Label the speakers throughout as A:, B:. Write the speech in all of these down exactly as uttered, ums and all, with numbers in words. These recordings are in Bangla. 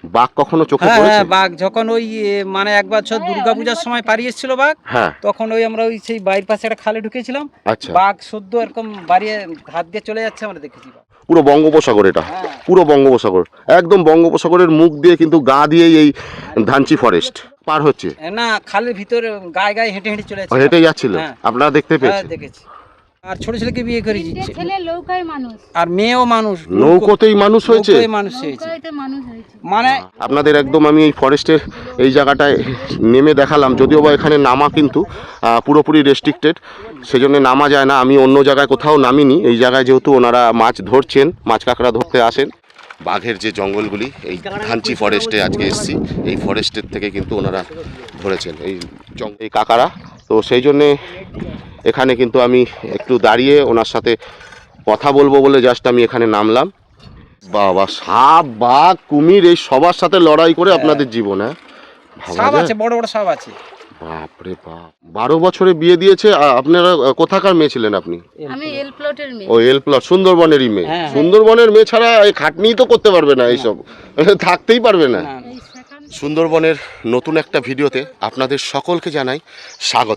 A: বাঘ কখনো চোখে
B: হ্যাঁ
A: পড়েছে?
B: হ্যাঁ বাঘ যখন ওই এ, মানে এক বছর দুর্গাপূজার সময় পাড়ি এসেছিল বাঘ,
A: হ্যাঁ।
B: তখন ওই আমরা ওই সেই বাড়ির পাশে একটা খালে ঢুকেছিলাম,
A: আচ্ছা।
B: বাঘ সদ্য এরকম বাড়িয়ে হাত দিয়ে চলে যাচ্ছে আমরা দেখেছি।
A: পুরো বঙ্গোপসাগর এটা,
B: হ্যাঁ।
A: পুরো বঙ্গোপসাগর, একদম বঙ্গোপসাগরের মুখ দিয়ে কিন্তু গা দিয়েই এই ধানচি ফরেস্ট পার হচ্ছে।
B: না খালের ভিতরে গায়ে গায়ে হেঁটে হেঁটে চলে যাচ্ছে।
A: হেঁটে যাচ্ছিল,
B: হ্যাঁ।
A: আপনারা দেখতে
B: হ্যাঁ
A: পেয়েছেন?
B: দেখেছি। আর ছোট ছেলেকে বিয়ে করে দিচ্ছে,
C: ছেলে নৌকায় মানুষ,
B: আর মেয়েও মানুষ,
A: নৌকোতেই মানুষ হয়েছে।
B: নৌকোয় মানুষ হয়েছে
C: নৌকায়তে মানুষ হয়েছে।
B: মানে
A: আপনাদের একদম আমি এই ফরেস্টের এই জায়গাটায় নেমে দেখালাম, যদিও বা এখানে নামা কিন্তু আহ, পুরোপুরি রেস্ট্রিক্টেড, সেজন্য নামা যায় না। আমি অন্য জায়গায় কোথাও নামিনি, এই জায়গায় যেহেতু ওনারা মাছ ধরছেন, মাছ কাঁকড়া ধরতে আসেন। বাঘের যে জঙ্গলগুলি এই ধানচি ফরেস্টে আজকে এসেছি, এই ফরেস্টের থেকে কিন্তু ওনারা ধরেছেন এই জঙ্গল এই কাঁকড়া। তো সেই জন্যে এখানে কিন্তু আমি একটু দাঁড়িয়ে ওনার সাথে কথা বলবো বলে জাস্ট আমি এখানে নামলাম। বাবা, সাপ বাঘ কুমির এই সবার সাথে লড়াই করে আপনাদের জীবন, হ্যাঁ? ভাবা
B: সাপ
A: যায়?
B: আছে, বড় বড় সাপ আছে।
A: বাপরে বাপ, বারো বছরে বিয়ে দিয়েছে। আ- আপনারা আ, কোথাকার মেয়ে ছিলেন আপনি?
C: আমি এল প্লটের মেয়ে।
A: ও এল প্লট, সুন্দরবনেরই মেয়ে।
B: হ্যাঁ।
A: সুন্দরবনের মেয়ে ছাড়া এই খাটনি তো করতে পারবে না, এইসব থাকতেই পারবে না।
B: না, না।
C: এই সেখান
A: সুন্দরবনের নতুন একটা ভিডিওতে আপনাদের সকলকে জানাই স্বাগত।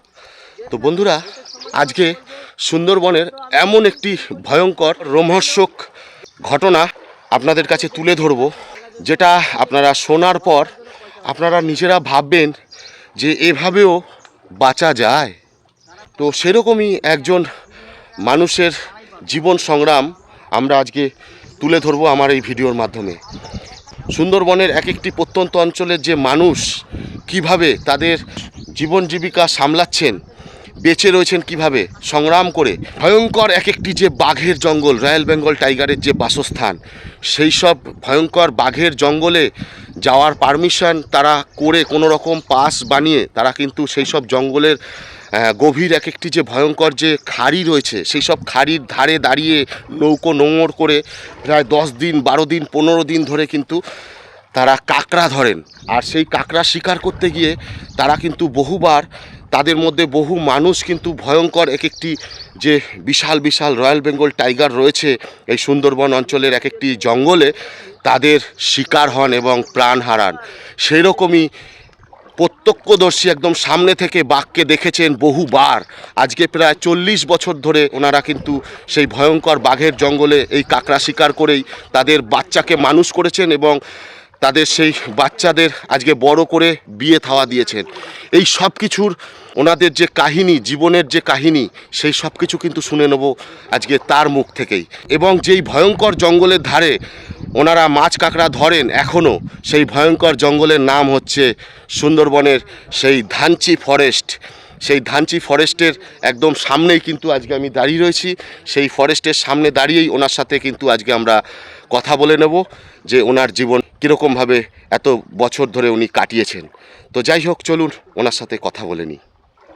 A: তো বন্ধুরা, আজকে সুন্দরবনের এমন একটি ভয়ঙ্কর রোমহর্ষক ঘটনা আপনাদের কাছে তুলে ধরব, যেটা আপনারা শোনার পর আপনারা নিজেরা ভাববেন যে এভাবেও বাঁচা যায়। তো সেরকমই একজন মানুষের জীবন সংগ্রাম আমরা আজকে তুলে ধরব আমার এই ভিডিওর মাধ্যমে। সুন্দরবনের এক একটি প্রত্যন্ত অঞ্চলের যে মানুষ কিভাবে তাদের জীবন জীবিকা সামলাচ্ছেন, বেঁচে রয়েছেন কিভাবে সংগ্রাম করে, ভয়ঙ্কর এক একটি যে বাঘের জঙ্গল, রয়্যাল বেঙ্গল টাইগারের যে বাসস্থান, সেই সব ভয়ঙ্কর বাঘের জঙ্গলে যাওয়ার পারমিশন তারা করে কোনো রকম পাস বানিয়ে তারা কিন্তু সেই সব জঙ্গলের আহ, গভীর এক একটি যে ভয়ঙ্কর যে খাড়ি রয়েছে, সেই সব খাড়ির ধারে দাঁড়িয়ে নৌকো নোঙর করে প্রায় দশ দিন বারো দিন পনেরো দিন ধরে কিন্তু তারা কাঁকড়া ধরেন। আর সেই কাঁকড়া শিকার করতে গিয়ে তারা কিন্তু বহুবার তাদের মধ্যে বহু মানুষ কিন্তু ভয়ঙ্কর এক একটি যে বিশাল বিশাল রয়্যাল বেঙ্গল টাইগার রয়েছে এই সুন্দরবন অঞ্চলের এক একটি জঙ্গলে, তাদের শিকার হন এবং প্রাণ হারান। সেই রকমই প্রত্যক্ষদর্শী একদম সামনে থেকে বাঘকে দেখেছেন বহুবার। আজকে প্রায় চল্লিশ বছর ধরে ওনারা কিন্তু সেই ভয়ঙ্কর বাঘের জঙ্গলে এই কাঁকড়া শিকার করেই তাদের বাচ্চাকে মানুষ করেছেন এবং তাদের সেই বাচ্চাদের আজকে বড় করে বিয়ে থাওয়া দিয়েছেন। এই সব কিছুর ওনাদের যে কাহিনী, জীবনের যে কাহিনী, সেই সব কিছু কিন্তু শুনে নেব আজকে তার মুখ থেকেই। এবং যেই ভয়ঙ্কর জঙ্গলের ধারে ওনারা মাছ কাঁকড়া ধরেন এখনও, সেই ভয়ঙ্কর জঙ্গলের নাম হচ্ছে সুন্দরবনের সেই ধানচি ফরেস্ট। সেই ধানচি ফরেস্টের একদম সামনেই কিন্তু আজকে আমি দাঁড়িয়ে রয়েছি। সেই ফরেস্টের সামনে দাঁড়িয়েই ওনার সাথে কিন্তু আজকে আমরা কথা বলে নেব যে ওনার জীবন কীরকমভাবে এত বছর ধরে উনি কাটিয়েছেন। তো যাই হোক, চলুন ওনার সাথে কথা বলে নিই।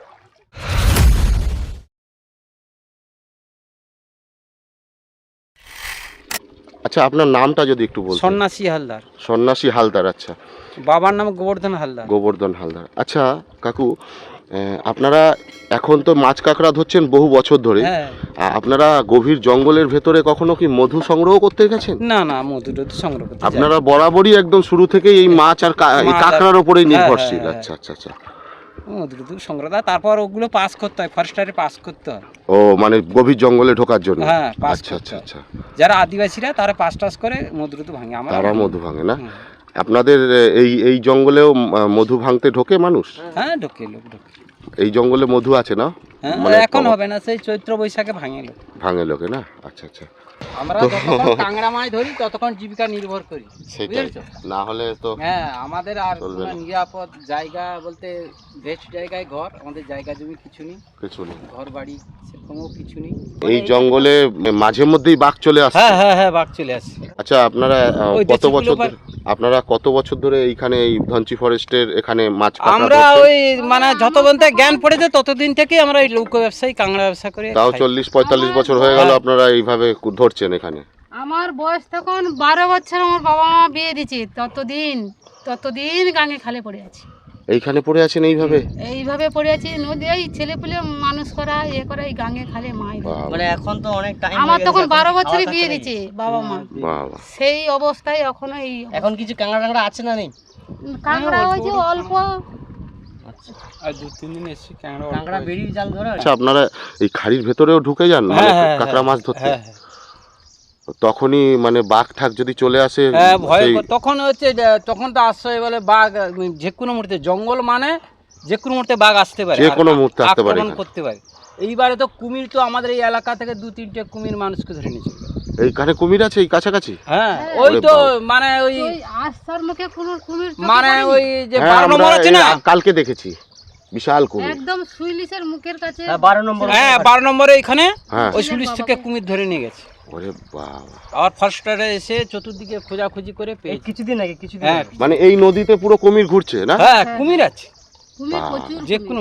A: আচ্ছা, আপনার নামটা যদি একটু বলতেন।
B: সন্ন্যাসী হালদার।
A: সন্ন্যাসী হালদার, আচ্ছা।
B: বাবার নাম গোবর্ধন হালদার।
A: গোবর্ধন হালদার, আচ্ছা। কাকু, আহ, আপনারা এখন তো মাছ কাঁকড়া ধরছেন বহু বছর ধরে,
B: হ্যাঁ।
A: আ- আপনারা গভীর জঙ্গলের ভেতরে কখনো কি মধু সংগ্রহ করতে গেছেন?
B: না না মধু টধু সংগ্রহ করতে যাই।
A: আপনারা বরাবরই একদম শুরু থেকেই এই মাছ আর কা- এই
B: মাছ আর-
A: কাঁকড়ার ওপরেই
B: হ্যাঁ,
A: নির্ভরশীল?
B: হ্যাঁ,
A: আচ্ছা আচ্ছা আচ্ছা।
B: মধু টধু সংগ্রহ, তারপর ওগুলো পাস করতে হয়, ফরেস্টারে পাস করতে হয়।
A: ও মানে গভীর জঙ্গলে ঢোকার জন্য?
B: হ্যাঁ, পাস
A: আচ্ছা
B: করতে
A: আচ্ছা
B: হয়।
A: আচ্ছা।
B: যারা আদিবাসীরা তারা পাস টাস করে মধু টধু ভাঙে, আমরা
A: তারা
B: ভাঙি না।
A: মধু ভাঙে না?
B: হুম।
A: আপনাদের এ, এই এই জঙ্গলেও আহ, মধু ভাঙতে ঢোকে মানুষ?
B: হ্যাঁ ঢোকে লোক ঢোকে।
A: এই জঙ্গলে মধু আছে না?
B: হ্যাঁ
A: মানে
B: এখন
A: কম-
B: হবে না, সেই চৈত্র বৈশাখে ভাঙে লোক।
A: ভাঙে লোকে না? আচ্ছা আচ্ছা।
B: আমরা যতক্ষণ কাঁকড়া মাছ ধরি ততক্ষণ জীবিকা নির্ভর করি,
A: সেটাই,
B: বুঝেছো?
A: না হলে তো
B: হ্যাঁ আমাদের আর
A: চলবে
B: কোনো
A: না।
B: নিরাপদ জায়গা বলতে বেস্ট জায়গায় ঘর, আমাদের জায়গা জমি কিছু নেই,
A: কিছু নেই।
B: ঘর বাড়ি সেরকমও কিছু নেই।
A: এই জঙ্গলে মাঝে মধ্যেই বাঘ চলে আসে?
B: হ্যাঁ হ্যাঁ হ্যাঁ বাঘ চলে আসে।
A: আচ্ছা, আপনারা আহ,
B: ওই
A: কত
B: দেশি
A: বছর
B: গুলো
A: ধরে- আপনারা কত বছর ধরে এইখানে এই ধনচি ফরেস্টের এখানে মাছ কাঁকড়া
B: আমরা
A: ধরছেন?
B: ওই মানে যত বলতে জ্ঞান পড়েছে ততদিন থেকে আমরা এই লৌক ব্যবসায়ী কাঁকড়া ব্যবসা করে
A: তাও
B: খাই।
A: চল্লিশ পঁয়তাল্লিশ বছর হয়ে গেল
B: হ্যাঁ।
A: আপনারা এইভাবে কু- ধরছেন এখানে?
C: আমার বয়স তখন বারো বছর, আমার বাবা মা বিয়ে দিচ্ছে, ততদিন ততদিন গাঙে খালে পড়ে আছি।
A: এইখানে পড়ে আছেন এইভাবে?
C: এইভাবে পড়ে আছি, নদী এই ছেলে পেলে মানুষ করা এ করা এই গাঙে খালে মাই দেয়।
A: বাবা,
D: মানে এখন তো অনেক টাইম
C: আমার তখন বারো বছরে বিয়ে দিয়েছে বাবা মা,
A: বাবা।
C: সেই অবস্থায় এখনো এই
D: এখন কিছু কাঁকড়া টাংড়া আছে না নেই?
C: কাঁকড়া হয়েছে অল্প।
D: আচ্ছা,
B: আর দু তিন দিন এসেছি ক্যাংড়া
D: কাঁকড়া বেরিয়ে জাল ধরে?
A: আচ্ছা, আপনারা এই খাড়ির ভেতরেও ঢুকে যান মানে কাঁকড়া মাছ ধরতে?
B: হ্যাঁ হ্যাঁ
A: তখনই মানে বাঘ ঠাক যদি চলে আসে
B: হ্যাঁ ভয়
A: সেই-
B: কর- তখন হচ্ছে যে, তখন তো আশ্রয় বলে বাঘ উম, যে কোনো মুহূর্তে জঙ্গল মানে যে কোনো মুহূর্তে বাঘ আসতে পারে,
A: যে
B: আর
A: কোনো মুহূর্তে আসতে পারে
B: আক্রমণ
A: এখানে।
B: করতে পারে। এইবারে তো কুমির তো আমাদের এই এলাকা থেকে দু তিনটে কুমির মানুষকে ধরে নিয়েছিল।
A: এইখানে কুমির আছে এই কাছাকাছি?
B: হ্যাঁ
C: হ্যাঁ।
B: ওই
A: ওরে
B: তো
A: বাবা।
B: মানে ওই
C: ওই আস্তার মুখে কোনো কুমির চোখে
B: মানে
C: পড়েনি।
B: ওই যে
A: হ্যাঁ,
B: বারো
A: আমরা
B: নম্বর আছে
A: এই
B: না,
A: কালকে দেখেছি বিশাল কুমির।
C: একদম সুইলিশের মুখের কাছে।
D: হ্যাঁ, বারো নম্বর।
B: হ্যাঁ বারো নম্বরে এখানে
A: হ্যাঁ।
B: ওই সুলিশ থেকে কুমির ধরে নিয়ে গেছে।
A: ওরে বাবা,
B: আর ফার্স্টারে এসে চতুর্দিকে খোঁজাখুঁজি করে
D: এই
B: পেয়েছে।
D: কিছুদিন আগে কিছুদিন
B: হ্যাঁ
D: আগে।
A: মানে এই নদীতে পুরো কুমির ঘুরছে না?
B: হ্যাঁ কুমির আছে
C: কুমির
A: বাহ।
C: প্রচুর
B: যে
C: কুমির।
B: কোনো।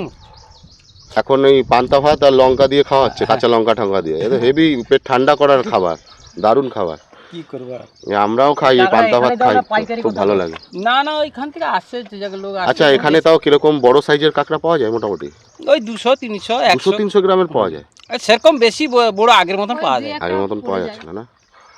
A: এখন এই পান্তা ভাত আর লঙ্কা দিয়ে খাওয়া হচ্ছে, কাঁচা লঙ্কা ঠঙ্কা দিয়ে। এটা হেভি পেট ঠান্ডা করার খাবার, দারুণ খাবার।
B: কি করবো আর?
A: এ আমরাও খাই এই
D: টাকা
A: পান্তা ভাত
D: এখানে
A: খাই,
D: দাও না, পাইকারি
A: খুব
D: কোথাও
A: ভালো
D: দাও?
A: লাগে।
B: না না ওইখান থেকে আসে যে জায়গার লোক আসে।
A: আচ্ছা, এখানে তাও কিরকম বড় সাইজের কাঁকড়া পাওয়া যায় মোটামুটি?
B: ওই দুশো তিনশো
A: দুশো
B: একশো
A: তিনশো গ্রামের পাওয়া যায়?
B: সেরকম বেশি ব- বড় আগের মতন
C: ওই
B: পাওয়া
C: দুই
B: যায়।
C: একটা
A: আগের মতন
C: পড়ে
A: পাওয়া
C: যায়।
A: যাচ্ছে না না?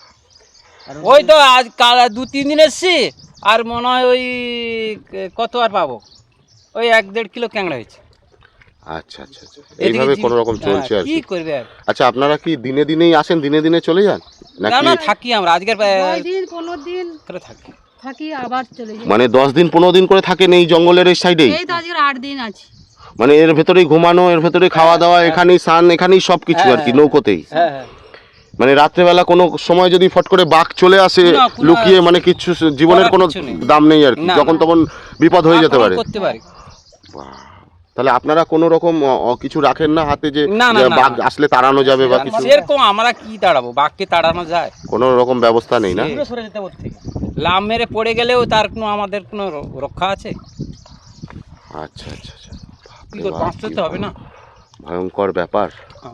D: আর
B: ওই তো আজ কাল দু তিন দিন এসছি, আর মনে হয় ওই ক- কত আর পাবো, ওই এক দেড় কিলো ক্যাংড়া হয়েছে।
A: আচ্ছা আচ্ছা আচ্ছা,
B: এদিকে
A: এইভাবে
B: জি-
A: কোনো রকম চলছে
B: হ্যাঁ,
A: আর
B: কি
A: কি।
B: করবে আর?
A: আচ্ছা, আপনারা কি দিনে দিনেই আসেন, দিনে দিনে চলে যান
B: না
A: নাকি?
B: না থাকি আমরা আজকের
C: দশ দিন পনেরো দিন
B: করে থাকি।
C: থাকি আবার চলে যাই।
A: মানে দশ দিন পনেরো দিন করে থাকেন এই জঙ্গলের এই সাইডেই?
C: এই তো আজকের আট দিন আছি।
A: মানে এর ভেতরেই ঘুমানো, এর ভেতরে খাওয়া দাওয়া, এখানেই স্নান, এখানেই সব কিছু আর কি,
B: হ্যাঁ,
A: নৌকোতেই।
B: হ্যাঁ হ্যাঁ
A: মানে রাত্রেবেলা কোনো সময় যদি ফট করে বাঘ চলে আসে
B: না, কোনো-
A: লুকিয়ে, মানে কিছু জীবনের
B: করার
A: কোনো
B: কিছু নেই।
A: দাম নেই আর কি,
B: না,
A: যখন
B: না।
A: তখন বিপদ হয়ে যেতে
B: আক্রমণ
A: পারে।
B: করতে পারি।
A: বাহ। তাহলে আপনারা কোনো রকম অ- অ- কিছু রাখেন না হাতে যে
B: না, না,
A: যে
B: না,
A: বাঘ
B: না।
A: আসলে তাড়ানো যাবে বা কিছু?
B: সেরকম আমরা কি তাড়াবো, বাঘকে তাড়ানো যায়?
A: কোনো রকম ব্যবস্থা নেই না?
D: দূরে সরে যেতে ওর থেকে।
B: লাভ মেরে পড়ে গেলেও তার কোনো আমাদের কোনো র- রক্ষা আছে?
A: আচ্ছা আচ্ছা আচ্ছা,
B: কি
A: বাপরে
B: করে
A: বাপ,
B: বাঁচতে
A: কি
B: তো হবে না?
A: ভয়ঙ্কর ব্যাপার।
B: হ্যাঁ।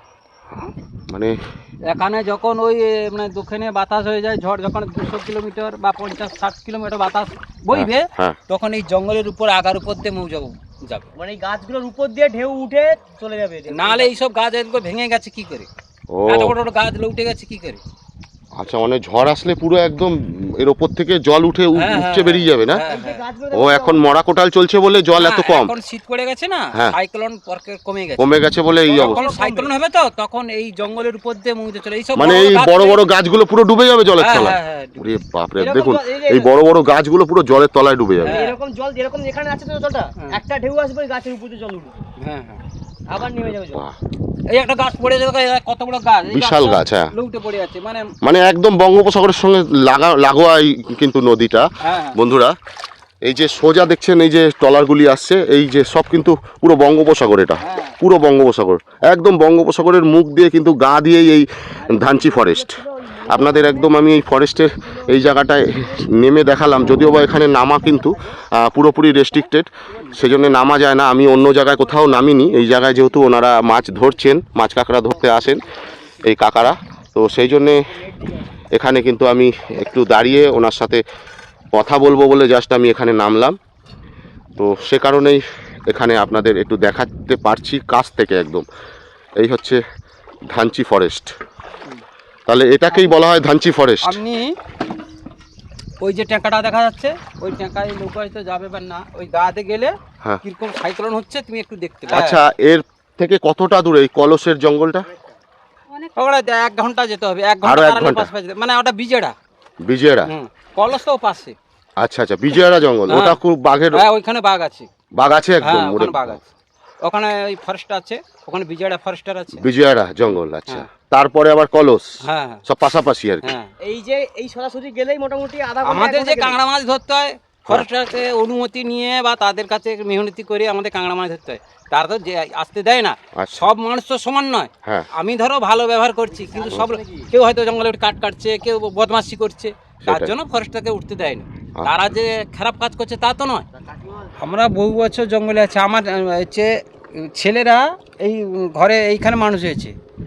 A: মানে
B: এখানে যখন ওই এ, মানে দক্ষিণে বাতাস হয়ে যায়, ঝড় যখন দুশো কিলোমিটার বা পঞ্চাশ ষাট কিলোমিটার বাতাস বইবে,
A: হ্যাঁ,
B: তখন এই জঙ্গলের উপর আগার উপর দিয়ে মৌ যাবো যাবে।
D: মানে এই গাছগুলোর উপর দিয়ে ঢেউ উঠে চলে যাবে এদের।
B: নাহলে এইসব গাছ এগুলো ভেঙে গেছে কি করে?
A: ও
B: এত বড় বড় গাছ উঠে গেছে কি করে?
A: আচ্ছা, মানে ঝড় আসলে পুরো একদম এর ওপর থেকে জল উঠে উ-
B: হ্যাঁ,
A: উপচে
B: হ্যাঁ,
A: বেরিয়ে যাবে না?
B: হ্যাঁ,
D: এই যে
B: হ্যাঁ।
D: গাছগুলো
A: ও এখন মরা কোটাল চলছে বলে জল এত
B: না,
A: কম
B: এখন শীত পড়ে গেছে না,
A: হ্যাঁ।
B: সাইক্লোন পরকে কমে গেছে।
A: কমে গেছে বলে এই
B: যখন
A: অবস্থা।
B: সাইক্লোন হবে তো তখন এই জঙ্গলের উপর দিয়ে মৌজে চলে এইসব
A: মানে এই
B: গাছ
A: বড় বড়
B: থেকে-
A: গাছগুলো পুরো ডুবে যাবে জলের
B: হ্যাঁ,
A: তলায়?
B: হ্যাঁ, হ্যাঁ,
A: ওরে বাপরে,
D: এরকম
A: দেখুন
D: জল- এই যে-
A: এই বড় বড় গাছগুলো পুরো জলের তলায় ডুবে যাবে।
B: হ্যাঁ।
D: এরকম জল যেরকম এখানে আছে তো জলটা,
B: হ্যাঁ।
D: একটা ঢেউ আসবে ওই গাছের উপর দিয়ে জল উঠবে,
B: হ্যাঁ, হ্যাঁ।
D: আবার নেমে যাবে জল।
A: বাহ।
B: এই একটা গাছ পড়ে যাবে, কত বড় গাছ, এই
A: বিশাল
B: গাছটা
A: গাছ, হ্যাঁ।
B: লুটে পড়ে আছে, মানে
A: মানে একদম বঙ্গোপসাগরের সঙ্গে লাগা লাগোয়াই কিন্তু নদীটা।
B: হ্যাঁ,
A: বন্ধুরা, এই যে সোজা দেখছেন এই যে ট্রলারগুলি আসছে, এই যে সব কিন্তু পুরো বঙ্গোপসাগর, এটা
B: হ্যাঁ।
A: পুরো বঙ্গোপসাগর, একদম বঙ্গোপসাগরের মুখ দিয়ে কিন্তু গা দিয়েই এই ধানচি ফরেস্ট। আপনাদের একদম আমি এই ফরেস্টের এই জায়গাটায় নেমে দেখালাম, যদিও বা এখানে নামা কিন্তু আহ, পুরোপুরি রেস্ট্রিক্টেড, সেজন্য নামা যায় না। আমি অন্য জায়গায় কোথাও নামিনি, এই জায়গায় যেহেতু ওনারা মাছ ধরছেন, মাছ কাঁকড়া ধরতে আসেন এই কাকারা, তো সেই জন্যে এখানে কিন্তু আমি একটু দাঁড়িয়ে ওনার সাথে কথা বলবো বলে জাস্ট আমি এখানে নামলাম। তো সে কারণেই এখানে আপনাদের একটু দেখাতে পারছি কাছ থেকে একদম। এই হচ্ছে ধানচি ফরেস্ট, তাহলে এটাকেই বলা হয় ধানচি ফরেস্ট।
B: আপনি ওই যে ট্যাঙ্কাটা দেখা যাচ্ছে, ওই ট্যাঙ্কায় নৌকা হয়তো যাবে বা না, ওই গাতে গেলে
A: হ্যাঁ।
B: কিরকম সাইক্লোন হচ্ছে তুমি একটু দেখতে পাবে।
A: আচ্ছা, এর থেকে কতটা দূরে এই কলসের জঙ্গলটা?
C: অনেক
B: ওখানে এক ঘন্টা যেতে হবে, এক
A: আরো
B: ঘন্টা
A: এক
B: তার আগে
A: ঘন্টা?
B: পাশ পাশ যেতে- মানে ওটা বিজেড়া।
A: বিজয়রা?
B: হুম, কলস তো পাশে।
A: আচ্ছা আচ্ছা, বিজয়রা জঙ্গল,
B: হ্যাঁ।
A: ওটা খুব বাঘের
B: হ্যাঁ ওইখানে বাঘ আছে।
A: বাঘ আছে একদম?
B: হ্যাঁ
A: ওরে
B: ওখানে বাঘ আছে, ওখানে ওই ফরেস্ট আছে, ওখানে বিজেড়া ফরেস্টার আছে।
A: বিজয়রা জঙ্গল, আচ্ছা।
B: হ্যাঁ।
A: তারপরে আবার কলস,
B: হ্যাঁ হ্যাঁ,
A: সব পাশাপাশি আর কি।
B: হ্যাঁ।
D: এই যে এই সরাসরি গেলেই মোটামুটি আধা ঘন্টা,
B: আমাদের
D: এক
B: যে
D: ঘন্টা
B: কাঁকড়া মাছ ধরতে হয় ফরেস্টারকে অনুমতি নিয়ে বা তাদের কাছে মেহনতি করে আমাদের কাঁকড়া মাছ ধরতে হয়, তারা তো যে আসতে দেয় না।
A: আচ্ছা।
B: সব মানুষ তো সমান নয়।
A: হ্যাঁ।
B: আমি ধরো ভালো ব্যবহার করছি, কিন্তু সব কেউ হয়তো জঙ্গলে উঠে কাঠ কাটছে, কেউ বদমাশি করছে, তার
A: সেটাই।
B: জন্য ফরেস্টারকে উঠতে দেয় না।
A: আচ্ছা।
B: তারা যে খারাপ কাজ করছে তা তো নয়। আমরা বহু বছর জঙ্গলে আছি, আমার আহ, হচ্ছে ছেলেরা এই ঘরে এইখানে মানুষ হয়েছে,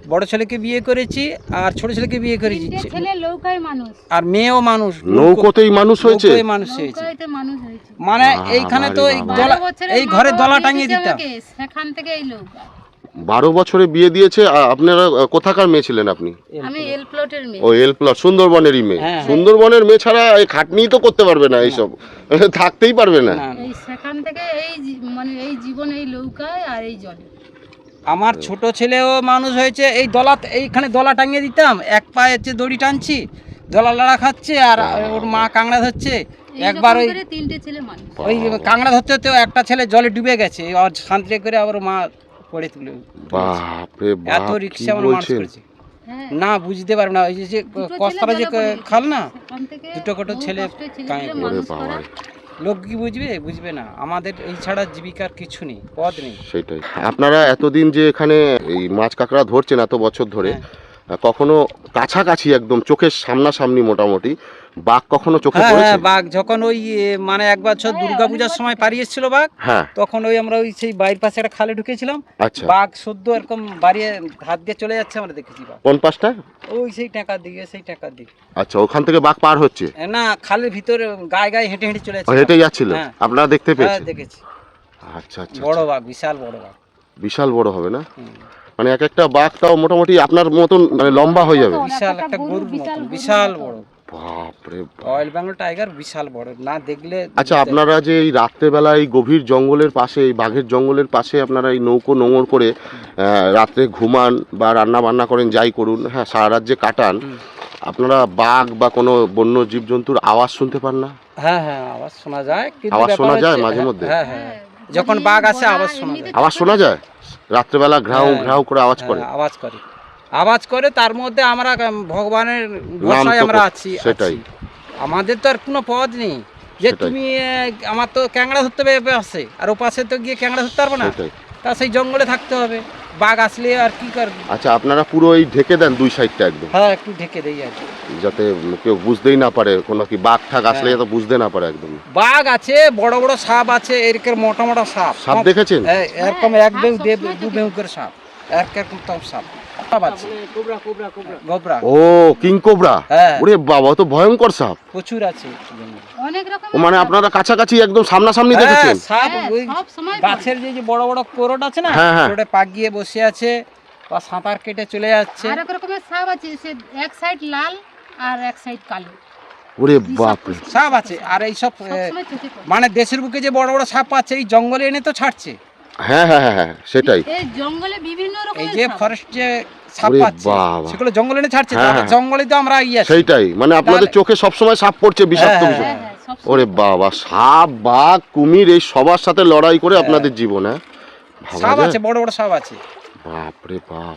B: বড় ছেলেকে বিয়ে করেছি আর ছোট ছেলেকে বিয়ে করেছি,
C: তিনটে ছেলে নৌকায় মানুষ,
B: আর মেয়েও মানুষ,
A: নৌকোতেই মানুষ হয়েছে?
B: নৌকোয় মানুষ হয়েছে।
C: নৌকায়তে মানুষ হয়েছে।
B: মানে
A: বাবা
B: এইখানে
A: রে
B: তো এই
A: বাবা।
B: দলা
C: বারো বছরের
B: এই
C: মা
B: ঘরে
C: বাবা
B: দলা
C: বিয়ে
B: টাঙিয়ে
C: দিয়েছে
B: দিতাম।
C: আমাকে, সেখান থেকে এই নৌকা।
A: বারো বছরে বিয়ে দিয়েছে। আ- আপনারা আ, কোথাকার মেয়ে ছিলেন আপনি?
C: আমি এল প্লটের মেয়ে।
A: ও এল প্লট, সুন্দরবনেরই মেয়ে।
B: হ্যাঁ।
A: সুন্দরবনের মেয়ে ছাড়া এই খাটনিই তো করতে পারবে না, এইসব থাকতেই পারবে না।
B: না, না।
C: এই সেখান থেকে এই জী- মানে এই জীবন এই নৌকায় আর এই জলে।
B: আমার ছোট ছেলেও মানুষ হয়েছে এই দলা, এইখানে দলা টাঙিয়ে দিতাম, এক পায়ে হচ্ছে দড়ি টানছি, দলা লড়া খাচ্ছে আর ওর মা কাংড়া ধরছে। একবার ওই
C: এইরকম করে তিনটে ছেলে মানুষ।
B: ওই কাংড়া ধরতে ধরতে একটা ছেলে জলে ডুবে গেছে, আর শান্তি করে আবার মা পড়ে তুলে
A: বাপ রে বাপ,
B: এত
A: কি
B: রিক্সা আমার মানুষ
A: বলছেন?
B: করেছে।
C: হ্যাঁ,
B: না বুঝতে পারবে না, ওই যে- যে
C: দুটো
B: কস্তারা
C: ছেলে
B: যে
C: জলে পড়ে গেছে।
B: খাল না,
C: সেখান থেকে
B: দুটো কটো
C: বহু
B: ছেলে
C: কষ্টে ছেলে
B: কাঁয়ে
C: পেলে
B: পড়ে।
A: ওরে
C: মানুষ
A: বাবা
C: করা।
A: রে।
B: লোক কি বুঝবে? বুঝবে না। আমাদের এই ছাড়া জীবিকার কিছু নেই, পথ নেই।
A: সেটাই। আপনারা এতদিন যে এখানে এই মাছ কাঁকড়া ধরছেন এত বছর ধরে,
B: হ্যাঁ।
A: কখনো কাছাকাছি একদম চোখের সামনাসামনি মোটামুটি বাঘ কখনো চোখে
B: হ্যাঁ
A: পড়েছে?
B: হ্যাঁ, বাঘ যখন ওই এ, মানে এক বছর দুর্গা পূজার সময় পাড়ি এসেছিল বাঘ,
A: হ্যাঁ।
B: তখন ওই আমরা ওই সেই বাড়ির পাশে একটা খালে ঢুকেছিলাম,
A: আচ্ছা,
B: বাঘ সদ্য এরকম বাড়িয়ে হাত দিয়ে চলে যাচ্ছে, আমরা দেখেছি বাঘ।
A: কোন পাশটা?
B: ওই সেই টাকার দিকে, সেই টাকার দিকে।
A: আচ্ছা, ওখান থেকে বাঘ পার হচ্ছে?
B: এ, না, খালের ভিতরে গায়ে গায়ে হেঁটে হেঁটে চলে
A: ও,
B: যাচ্ছে।
A: হেঁটে যাচ্ছিল?
B: হ্যাঁ।
A: আপনারা দেখতে
B: হ্যাঁ
A: পেয়েছেন?
B: দেখেছি।
A: আচ্ছা আচ্ছা,
B: বড়
A: আচ্ছা।
B: বাঘ, বিশাল বড় বাঘ।
A: বিশাল বড় হবে না?
B: হুম।
A: মানে এক একটা বাঘ তাও মোটামুটি আপনার মতন মানে লম্বা হয়ে যাবে?
B: বিশাল একটা গরুর মতন, বিশাল বড়।
A: বাপ রে বাপ।
B: রয়্যাল বেঙ্গল টাইগার বিশাল বড়, না দেখলে।
A: আচ্ছা, আপনারা যে এই রাত্রেবেলা এই গভীর জঙ্গলের পাশে, এই বাঘের জঙ্গলের পাশে আপনারা এই নৌকো নোঙর করে আহ, রাত্রে ঘুমান বা রান্না বান্না করেন, যাই করুন, হ্যাঁ, সারা রাত যে কাটান,
B: হুম।
A: আপনারা বাঘ বা কোনো বন্য জীবজন্তুর আওয়াজ শুনতে পান না?
B: হ্যাঁ হ্যাঁ, আওয়াজ শোনা যায়, কিন্তু
A: আওয়াজ
B: ব্যাপার
A: শোনা যায়
B: হচ্ছে-
A: মাঝে মধ্যে?
B: হ্যাঁ হ্যাঁ,
C: হ্যাঁ,
B: যখন
C: যদি
B: বাঘ আসে
C: বলা
B: আওয়াজ শোনা
C: এমনিতে
B: যায়।
A: আওয়াজ শোনা যায়? রাত্রেবেলা ঘ্রাউ
B: হ্যাঁ,
A: ঘ্রাউ করে আওয়াজ করে?
B: হ্যাঁ, আওয়াজ করে, আওয়াজ করে। তার মধ্যে আমরা উম, ভগবানের ভরসায়
A: তো
B: আমরা
A: কর-
B: আছি।
A: সেটাই।
B: আছি। আমাদের তো আর কোনো পথ নেই যে
A: সেটাই।
B: তুমি আহ, আমার তো ক্যাংড়া ধরতে হবে এ পাশে, আর ও পাশে তো গিয়ে ক্যাংড়া ধরতে পারবো না,
A: সেটাই।
B: তা সেই জঙ্গলে থাকতে হবে। বাঘ আসলে আর কি করবে?
A: আচ্ছা, আপনারা পুরো এই ঢেকে দেন দুই সাইডটা একদম,
B: হ্যাঁ, একটু ঢেকে দেই আর কি।
A: যাতে কেউ বুঝতেই না পারে, কোনো কি বাঘ ঠাক আসলে
B: হ্যাঁ।
A: যাতে বুঝতে না পারে একদম।
B: বাঘ আছে, বড় বড় সাপ আছে, এরকম মোটা মোটা সাপ।
A: সাপ দেখেছেন?
B: হ্যাঁ, এরকম
C: হ্যাঁ,
B: এক বেউ
C: সাপ
B: দে-
C: সবসময়
B: দু
C: চোখে
B: বেউ করে সাপ, এরকম তো সাপ সাপ আছে,
D: কোবরা কোবরা কোবরা
B: গোবরা।
A: ও, কিং কোবরা?
B: হ্যাঁ।
A: ওরে বাবা, ও তো ভয়ঙ্কর সাপ।
B: প্রচুর আছে জঙ্গলে।
C: অনেক রকম।
A: ও মানে আপনারা কাছাকাছি একদম সামনাসামনি
B: হ্যাঁ,
A: দেখেছেন?
B: সাপ
C: হ্যাঁ,
B: ওই
C: সব সময়
B: গাছের যে যে বড় বড় কোরড আছে না,
A: হ্যাঁ, হ্যাঁ।
B: কোরডে পাক গিয়ে বসে আছে বা সাঁতার কেটে চলে যাচ্ছে।
C: আর এক রকমের সাপ আছে, সে এক সাইড লাল আর এক সাইড কালো।
A: ওরে বাপ রে।
B: সাপ আছে, আর এই সব এ,
C: সবসময় চোখে পড়ে।
B: মানে দেশের বুকে যে বড় বড় সাপ আছে, এই জঙ্গলে এনে তো ছাড়ছে।
A: হ্যাঁ হ্যাঁ হ্যাঁ হ্যাঁ, সেটাই।
C: এই জঙ্গলে বিভিন্ন
B: এই
C: রকমের
B: যে
C: সাপ।
B: ফরেস্ট যে সাপ
A: ওরে
B: পাচ্ছে,
A: বাবা।
B: সেগুলো জঙ্গলে এনে ছাড়ছে,
A: হ্যাঁ,
B: তাহলে
A: হ্যাঁ।
B: জঙ্গলে তো আমরা ইয়ে আছি।
A: সেইটাই, মানে আপনাদের
B: তাহলে-
A: চোখে সবসময় সাপ পড়ছে, বিষাক্ত
B: হ্যাঁ,
A: বিষয়।
C: হ্যাঁ, হ্যাঁ, সবসময়।
A: ওরে বাবা, সাপ বাঘ কুমির এই সবার সাথে লড়াই করে আপনাদের জীবন, হ্যাঁ, ভাবা
B: সাপ
A: যায়?
B: আছে, বড় বড় সাপ আছে।
A: বাপ রে বাপ।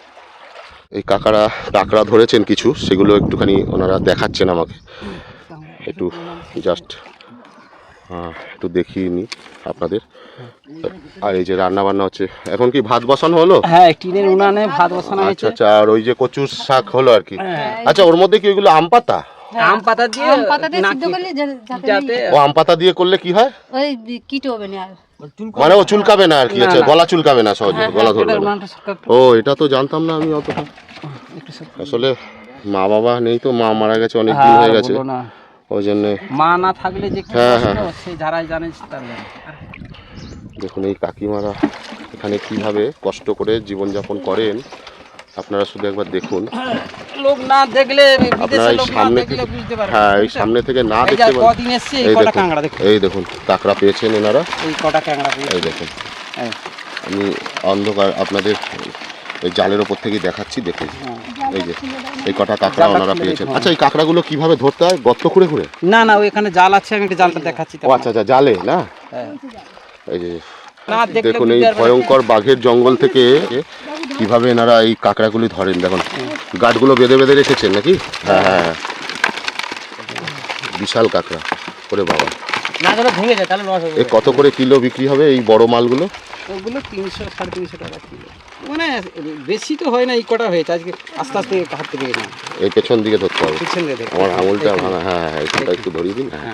A: এই কাকারা কাঁকড়া ধরেছেন কিছু, সেগুলো একটুখানি ওনারা দেখাচ্ছেন আমাকে, একটু জাস্ট একটু দেখিয়ে নি আপনাদের। আর এই যে রান্না বান্না হচ্ছে, এখন কি ভাত বসানো হলো?
B: হ্যাঁ, টিনের উনানে ভাত বসানো
A: আচ্ছা
B: হয়েছে।
A: আচ্ছা, আর ওই যে কচুর শাক হলো আর কি।
B: হ্যাঁ।
A: আচ্ছা, ওর মধ্যে কি ওইগুলো আম পাতা?
B: আম পাতা দিয়ে
C: আম পাতা দিয়ে সিদ্ধ
B: নাকি-
C: করলে যা- যাতে
B: যাতে
C: নেই।
A: ও আম পাতা দিয়ে করলে কি হয়?
C: ওই কিট হবে না আর।
A: মানে ও চুলকাবে না আর কি?
B: না,
A: আচ্ছা,
B: না।
A: গলা চুলকাবে না সহজে,
B: হ্যাঁ,
A: গলা
B: হ্যাঁ,
A: ধরবে
B: এটা
A: না।
B: উনানটা সরকার একটু-
A: ও, এটা তো জানতাম না আমি অতটা।
B: একটু সরকার-
A: আসলে মা বাবা নেই তো, মা মারা গেছে অনেক দিন
B: হ্যাঁ,
A: হয়ে গেছে,
B: বলো না।
A: ওই জন্য।
B: মা না থাকলে যে কি
A: হ্যাঁ,
B: কষ্ট,
A: হ্যাঁ।
B: সেই যারাই জানে তার জানে।
A: দেখুন এই কাকিমারা এখানে কিভাবে কষ্ট করে জীবনযাপন করেন, আপনারা শুধু একবার দেখুন।
B: লোক না দেখলে,
A: আপনারা
B: বিদেশের
A: এই
B: লোক না
A: সামনে
B: দেখলে
A: থেকে,
B: বুঝতে পারবে না,
A: হ্যাঁ, এই
B: বুঝছেন?
A: সামনে থেকে না
B: এই যা
A: দেখতে পারেন।
B: কদিন এসছে, এই
A: এই
B: কটা
A: দেখুন,
B: কাঁকড়া দেখুন,
A: এই দেখুন কাঁকড়া পেয়েছেন এনারা,
B: এই কটা কাঁকড়া পেয়েছে।
A: এই দেখুন।
B: হ্যাঁ,
A: আমি অন্ধকার আপনাদের এই জালের ওপর থেকেই দেখাচ্ছি, দেখুন
B: হ্যাঁ।
A: এই যে এই কটা কাঁকড়া
B: জালটা
A: ওনারা
B: খুলে
A: পেয়েছেন।
B: দেখুন।
A: আচ্ছা, এই কাঁকড়াগুলো কিভাবে ধরতে হয়? গর্ত খুঁড়ে খুঁড়ে?
B: না না, ওইখানে জাল আছে, আমি একটা জালটা দেখাচ্ছি।
A: ও আচ্ছা আচ্ছা, জালে না?
B: হ্যাঁ।
A: এই যে
B: না দেখলে
A: দেখুন এই
B: বুঝতে পারবে না।
A: ভয়ঙ্কর বাঘের জঙ্গল থেকে কিভাবে এনারা এই কাঁকড়াগুলি ধরেন, দেখুন গাঠগুলো বেঁধে বেঁধে রেখেছেন নাকি? হ্যাঁ হ্যাঁ হ্যাঁ, বিশাল কাঁকড়া। ওরে বাবা,
D: না তাহলে ভেঙে যায়, তাহলে লস হবে।
A: এ কত করে কিলো বিক্রি হবে এই বড় মালগুলো?
B: ওগুলো তিনশো সাড়ে তিনশো টাকা কিলো, মানে বেশি তো হয় না, এই কটা হয়েছে আজকে, আস্তে আস্তে হাত থেকে না
A: এই পেছন দিকে ধরতে হবে।
B: পিছন দিয়ে দেখো।
A: আমার আঙুলটা
B: এখানে।
A: ভাঙা, হ্যাঁ হ্যাঁ, এইখানটা একটু ধরিয়ে দিন। হ্যাঁ,
B: হ্যাঁ,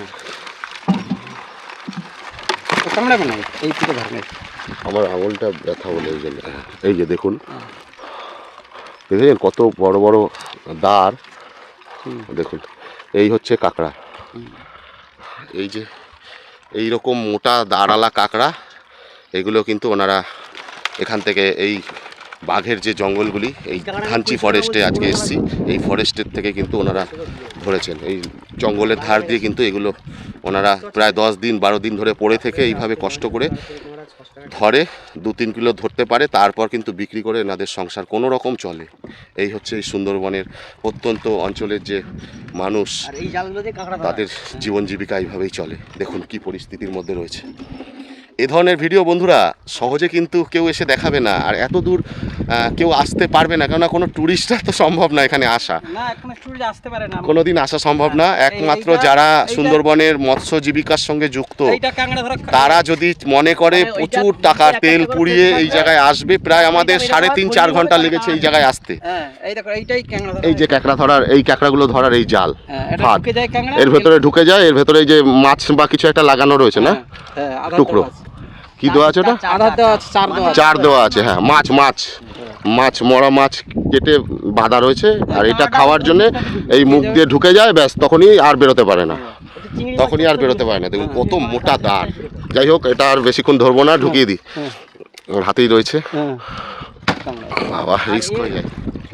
B: ও কামড়াবে না, এই থেকে ধরনের।
A: আমার আঙুলটা ব্যথা বলে এই জন্য। এই যে দেখুন দেখেছেন কত বড় বড় দাঁড়, দেখুন এই হচ্ছে কাঁকড়া, এই যে এই রকম মোটা দাঁড়ালা কাঁকড়া, এগুলো কিন্তু ওনারা এখান থেকে এই বাঘের যে জঙ্গলগুলি, এই থানচি ফরেস্টে আজকে এসেছি, এই ফরেস্টের থেকে কিন্তু ওনারা ধরেছেন। এই জঙ্গলের ধার দিয়ে কিন্তু এগুলো ওনারা প্রায় দশ দিন বারো দিন ধরে পড়ে থেকে এইভাবে কষ্ট করে ধরে, দু তিন কিলো ধরতে পারে, তারপর কিন্তু বিক্রি করে এনাদের সংসার কোনো রকম চলে। এই হচ্ছে এই সুন্দরবনের প্রত্যন্ত অঞ্চলের যে মানুষ, তাদের জীবন জীবিকা এইভাবেই চলে। দেখুন কি পরিস্থিতির মধ্যে রয়েছে। এ ধরনের ভিডিও বন্ধুরা সহজে কিন্তু কেউ এসে দেখাবে না, আর এত দূর কেউ আসতে পারবে না, কেননা কোনো ট্যুরিস্টরা তো সম্ভব না এখানে আসা,
B: না এখন ট্যুরিস্ট আসতে পারে না,
A: কোনো দিন আসা সম্ভব না। একমাত্র যারা সুন্দরবনের মৎস্য জীবিকার সঙ্গে যুক্ত, তারা যদি মনে করে প্রচুর টাকার তেল পুড়িয়ে এই জায়গায় আসবে, প্রায় আমাদের সাড়ে তিন চার ঘন্টা লেগেছে এই জায়গায় আসতে। এই যে কাঁকড়া ধরার, এই কাঁকড়াগুলো ধরার এই জাল, ফাঁদ, এর ভেতরে ঢুকে যায়, এর ভেতরে এই যে মাছ বা কিছু একটা লাগানো রয়েছে না, টুকরো কি দেওয়া আছে, ওটা চার দেওয়া আছে, হ্যাঁ মাছ মাছ মাছ মরা মাছ কেটে বাঁধা রয়েছে, আর এটা খাওয়ার জন্য এই মুখ দিয়ে ঢুকে যায়, ব্যাস তখনই আর বেরোতে পারে না, তখনই আর বেরোতে পারে না। দেখুন কত মোটা দাঁড়। যাই হোক, এটা আর বেশিক্ষণ ধরবো না, ঢুকিয়ে দিই, ওর হাতেই রয়েছে, বাবা রিস্ক হয়ে যায়।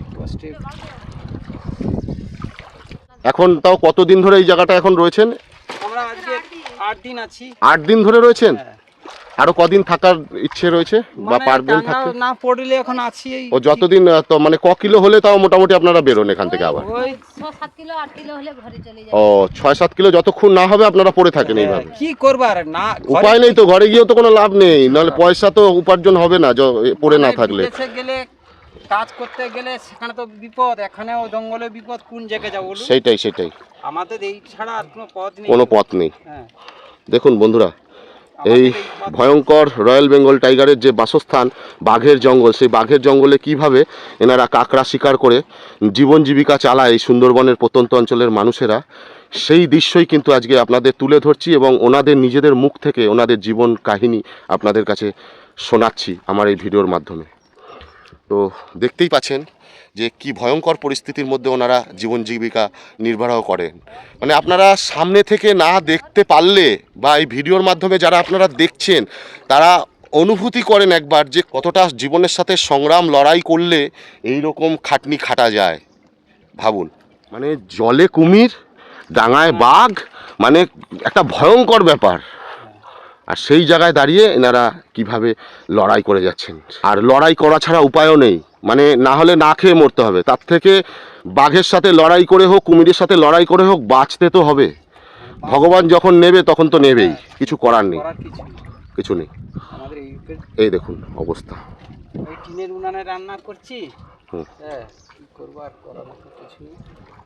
A: এখন তাও কতদিন ধরে এই জায়গাটা এখন রয়েছেন?
B: আমরা আজকে আট দিন আছি।
A: আট দিন ধরে রয়েছেন? আরো কদিন থাকার ইচ্ছে রয়েছে বা পারবেন থাকতে?
B: না পড়লে এখন আছি এই
A: ও যতদিন, তো মানে ক কিলো হলে তাও মোটামুটি আপনারা বেরোন এখান থেকে আবার?
C: ওই ছয় সাত কিলো আট কিলো হলে ঘরে চলে যায়।
A: ও ছয় সাত কিলো যতক্ষণ না হবে আপনারা পড়ে থাকেন এইভাবে?
B: কি করবার না,
A: উপায় নেই তো, ঘরে গিয়েও তো কোনো লাভ নেই, নাহলে পয়সা তো উপার্জন হবে না পড়ে না থাকলে।
B: গেলে কাজ করতে গেলে সেখানে তো বিপদ, এখানেও জঙ্গলে বিপদ, কোন জায়গায় যাবো?
A: সেটাই সেটাই,
B: আমাদের এই ছাড়া আর কোনো পথ নেই,
A: কোনো পথ নেই।
B: হ্যাঁ
A: দেখুন বন্ধুরা, এই ভয়ঙ্কর রয়্যাল বেঙ্গল টাইগারের যে বাসস্থান বাঘের জঙ্গল, সেই বাঘের জঙ্গলে কিভাবে এনারা কাঁকড়া শিকার করে জীবন জীবিকা চালায় এই সুন্দরবনের প্রত্যন্ত অঞ্চলের মানুষেরা, সেই দৃশ্যই কিন্তু আজকে আপনাদের তুলে ধরছি, এবং ওনাদের নিজেদের মুখ থেকে ওনাদের জীবন কাহিনী আপনাদের কাছে শোনাচ্ছি আমার এই ভিডিওর মাধ্যমে। তো দেখতেই পাচ্ছেন যে কি ভয়ঙ্কর পরিস্থিতির মধ্যে ওনারা জীবন জীবিকা নির্বাহ করেন। মানে আপনারা সামনে থেকে না দেখতে পারলে, বা এই ভিডিওর মাধ্যমে যারা আপনারা দেখছেন, তারা অনুভূতি করেন একবার যে কতটা জীবনের সাথে সংগ্রাম লড়াই করলে এই রকম খাটনি খাটা যায়। ভাবুন, মানে জলে কুমির, ডাঙায় বাঘ, মানে একটা ভয়ঙ্কর ব্যাপার, আর সেই জায়গায় দাঁড়িয়ে এনারা কিভাবে লড়াই করে যাচ্ছেন। আর লড়াই করা ছাড়া উপায়ও নেই, মানে না হলে না খেয়ে মরতে হবে, তার থেকে বাঘের সাথে লড়াই করে হোক, কুমিরের সাথে লড়াই করে হোক, বাঁচতে তো হবে। ভগবান যখন নেবে তখন তো নেবেই, কিছু করার নেই, কিছু নেই। এই দেখুন অবস্থা,
B: টিনের উনানে রান্না করছি, হ্যাঁ কি করব, আর করার মতো কিছু নেই।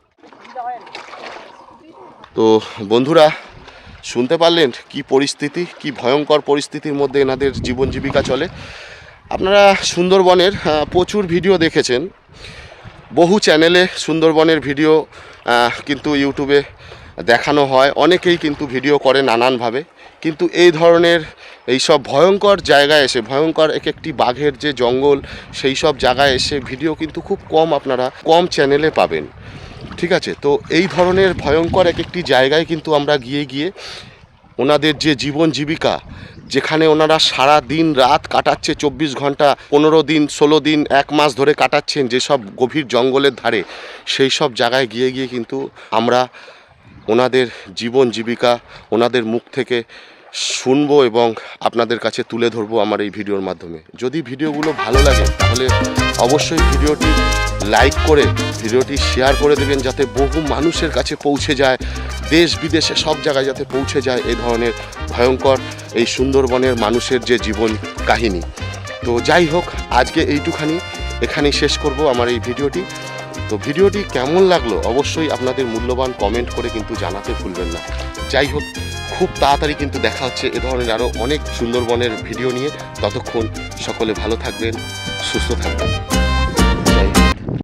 A: তো বন্ধুরা শুনতে পারলেন কি পরিস্থিতি, কি ভয়ঙ্কর পরিস্থিতির মধ্যে এনাদের জীবন জীবিকা চলে। আপনারা সুন্দরবনের প্রচুর ভিডিও দেখেছেন, বহু চ্যানেলে সুন্দরবনের ভিডিও কিন্তু ইউটিউবে দেখানো হয়, অনেকেই কিন্তু ভিডিও করে নানানভাবে, কিন্তু এই ধরনের এই সব ভয়ঙ্কর জায়গায় এসে, ভয়ঙ্কর এক একটি বাঘের যে জঙ্গল, সেই সব জায়গায় এসে ভিডিও কিন্তু খুব কম আপনারা কম চ্যানেলে পাবেন। ঠিক আছে, তো এই ধরনের ভয়ঙ্কর এক একটি জায়গায় কিন্তু আমরা গিয়ে গিয়ে ওনাদের যে জীবন জীবিকা, যেখানে ওনারা সারা দিন রাত কাটাচ্ছে, চব্বিশ ঘন্টা পনেরো দিন ষোলো দিন এক মাস ধরে কাটাচ্ছেন যেসব গভীর জঙ্গলের ধারে, সেই সব জায়গায় গিয়ে গিয়ে কিন্তু আমরা ওনাদের জীবন জীবিকা ওনাদের মুখ থেকে শুনবো এবং আপনাদের কাছে তুলে ধরবো আমার এই ভিডিওর মাধ্যমে। যদি ভিডিওগুলো ভালো লাগে তাহলে অবশ্যই ভিডিওটি লাইক করে ভিডিওটি শেয়ার করে দেবেন, যাতে বহু মানুষের কাছে পৌঁছে যায়, দেশ বিদেশে সব জায়গায় যাতে পৌঁছে যায় এই ধরনের ভয়ঙ্কর এই সুন্দরবনের মানুষের যে জীবন কাহিনী। তো যাই হোক, আজকে এইটুখানি, এখানেই শেষ করব আমার এই ভিডিওটি। তো ভিডিওটি কেমন লাগলো অবশ্যই আপনাদের মূল্যবান কমেন্ট করে কিন্তু জানাতে ভুলবেন না। যাই হোক, খুব তাড়াতাড়ি কিন্তু দেখা হচ্ছে এ ধরনের আরও অনেক সুন্দরবনের ভিডিও নিয়ে। ততক্ষণ সকলে ভালো থাকবেন, সুস্থ থাকবেন।